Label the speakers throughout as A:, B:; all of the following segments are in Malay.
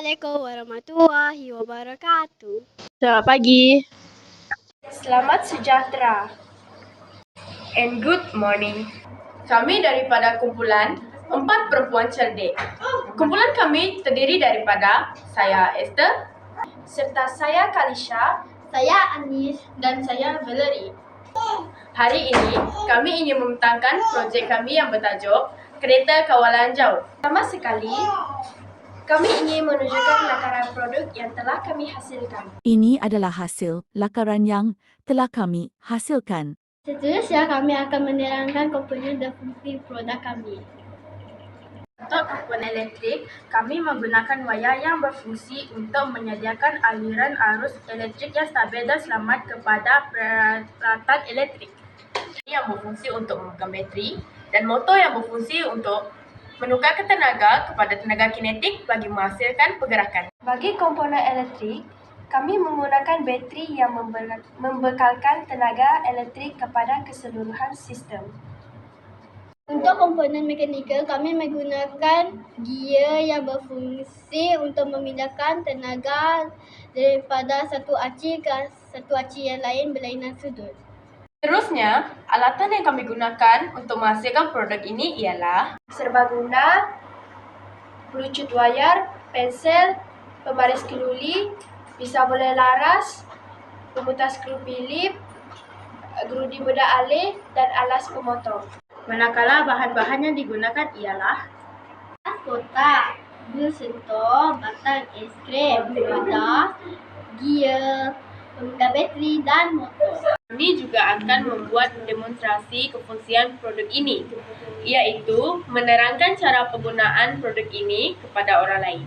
A: Assalamualaikum warahmatullahi wabarakatuh.
B: Selamat pagi.
C: Selamat sejahtera. And good morning. Kami daripada kumpulan 4 Perempuan Cerdik. Kumpulan kami terdiri daripada saya Esther, serta saya Kalisha,
A: Saya Anis
C: dan saya Valerie. Hari ini kami ingin membentangkan projek kami yang bertajuk Kereta Kawalan Jauh. Pertama sekali, kami ingin menunjukkan lakaran produk yang telah kami hasilkan.
D: Ini adalah hasil lakaran yang telah kami hasilkan.
A: Seterusnya kami akan menerangkan komponen dan fungsi produk kami.
C: Untuk komponen elektrik, kami menggunakan wayar yang berfungsi untuk menyediakan aliran arus elektrik yang stabil dan selamat kepada peralatan elektrik. Yang berfungsi untuk memegang bateri dan motor yang berfungsi untuk menukarkan tenaga kepada tenaga kinetik bagi menghasilkan pergerakan. Bagi komponen elektrik, kami menggunakan bateri yang membekalkan tenaga elektrik kepada keseluruhan sistem.
A: Untuk komponen mekanikal, kami menggunakan gear yang berfungsi untuk memindahkan tenaga daripada satu aci ke satu aci yang lain berlainan sudut.
C: Seterusnya, alatan yang kami gunakan untuk menghasilkan produk ini ialah serbaguna, pelucut wayar, pensel, pembaris keluli, pisau bola laras, pemutar skru Philip, gerudi bedak alih dan alas pemotong. Manakala bahan-bahan yang digunakan ialah
A: Kotak, bil sentuh, batang es krim, wadah, gear, pemegang bateri dan motor.
C: Kami juga akan membuat demonstrasi kefungsian produk ini, iaitu menerangkan cara penggunaan produk ini kepada orang lain.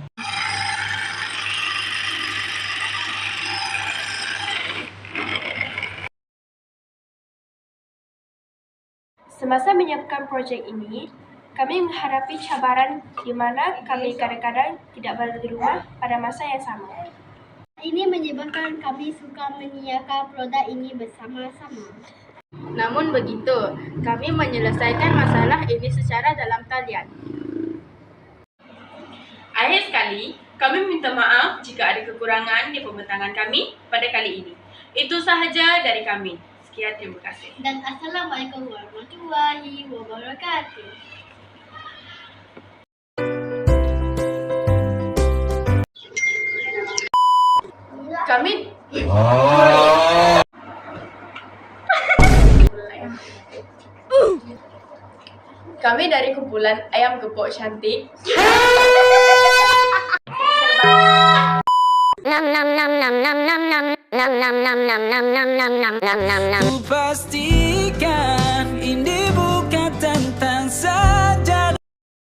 C: Semasa menyiapkan projek ini, kami menghadapi cabaran di mana kami kadang-kadang tidak berada di rumah pada masa yang sama.
A: Ini menyebabkan kami suka menyiapkan produk ini bersama-sama.
C: Namun begitu, kami menyelesaikan masalah ini secara dalam talian. Akhir sekali, kami minta maaf jika ada kekurangan di pembentangan kami pada kali ini. Itu sahaja dari kami. Sekian, terima kasih.
A: Dan Assalamualaikum warahmatullahi wabarakatuh.
C: Kami dari kumpulan Ayam Gepok Cantik.
E: Ku pastikan